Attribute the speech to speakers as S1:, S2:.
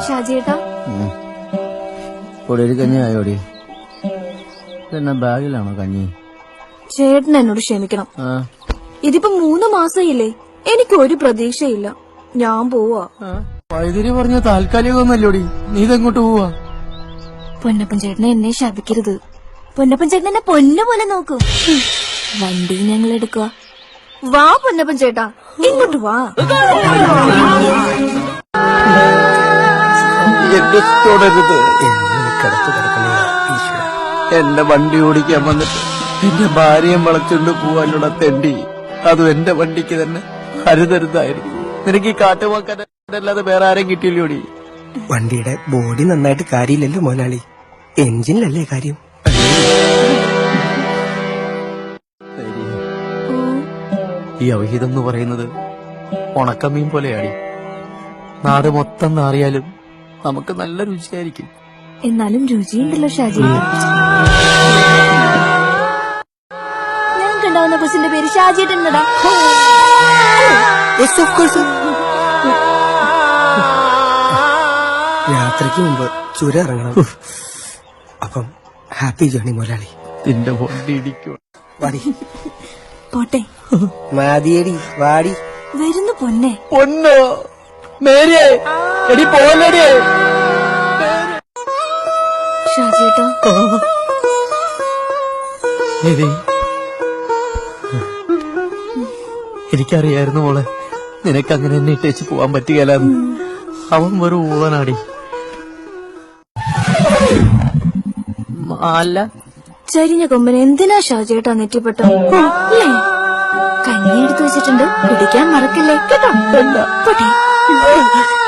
S1: ഷാജിയേട്ടാ
S2: ഒരു കഞ്ഞി ആയോടി ഇതെന്നാ ബാഗിലാണോ കഞ്ഞി?
S1: ചേട്ടൻ എന്നോട് ക്ഷമിക്കണം. ഇതിപ്പോ 3 മാസമില്ലേ, എനിക്ക് ഒരു പ്രതീക്ഷയില്ല. ഞാൻ പോവാ.
S2: വൈദ്യുതി പറഞ്ഞ താൽക്കാലികമൊന്നല്ലോടി, നീ ഇതെങ്ങോട്ട് പോവാ?
S1: പൊന്നപ്പൻ ചേട്ടനെ എന്നെ ശപിക്കരുത്. പൊന്നപ്പൻ ചേട്ടൻ എന്നെ പൊന്നു പോലെ നോക്കൂ. വണ്ടി ഞങ്ങൾ എടുക്കുക. വാ പൊന്നപ്പൻ ചേട്ടാ, ഇങ്ങോട്ട് വാ.
S2: എന്റെ വണ്ടി ഓടിക്കാൻ വന്നിട്ട് എന്റെ ഭാര്യയെ വളച്ചുകൊണ്ട് പോവാനുള്ള തെണ്ടി, അതും എന്റെ വണ്ടിക്ക് തന്നെ അരുതരുതായിരുന്നു. നിനക്ക് ഈ കാട്ടുവാക്കാനല്ലാതെ വേറെ ആരെയും കിട്ടിയില്ലോടി?
S3: വണ്ടിയുടെ ബോഡി നന്നായിട്ട് കാര്യമില്ലല്ലോ മോനാളി, എഞ്ചിനിലല്ലേ കാര്യം.
S2: ഈ അവഹിതം എന്ന് പറയുന്നത് ഉണക്കമീൻ പോലെയാടി. നാട് മൊത്തം നാറിയാലും നമുക്ക് നല്ല രുചിയായിരിക്കും.
S1: എന്നാലും രുചിയുണ്ടല്ലോ ഷാജി. ഞങ്ങൾക്കുണ്ടാവുന്ന കൊച്ചിന്റെ പേര് ഷാജിയേട്ടനടാ.
S3: യാത്രയ്ക്ക് മുമ്പ് ചുരം ഇറങ്ങണം. അപ്പം ഹാപ്പി ജേണി മുതലാളി.
S2: നിന്റെ വണ്ടി ഇടിക്കും.
S3: വാടി
S1: പോട്ടെ.
S3: മാതിയടി വാടി.
S1: വരുന്നു പൊന്നെ.
S2: പൊന്നോ മേരിയേ, എടി പോലടിയേ.
S1: ഷാജിയേട്ടാ
S2: എനിക്കറിയായിരുന്നു മോളെ, നിനക്കങ്ങനെ എന്നെ ഇട്ടേച്ച് പോവാൻ പറ്റുകയില്ലെന്ന്. അവൻ വെറും ഊളനാടി. അല്ല,
S1: ചരിഞ്ഞ കൊമ്പന് എന്തിനാ ഷാജിയേട്ടാ നെറ്റിപ്പെട്ടു? കഞ്ഞി എടുത്തു വെച്ചിട്ടുണ്ട്, പിടിക്കാൻ മറക്കല്ലേ കേട്ടോ. പോട്ടെ.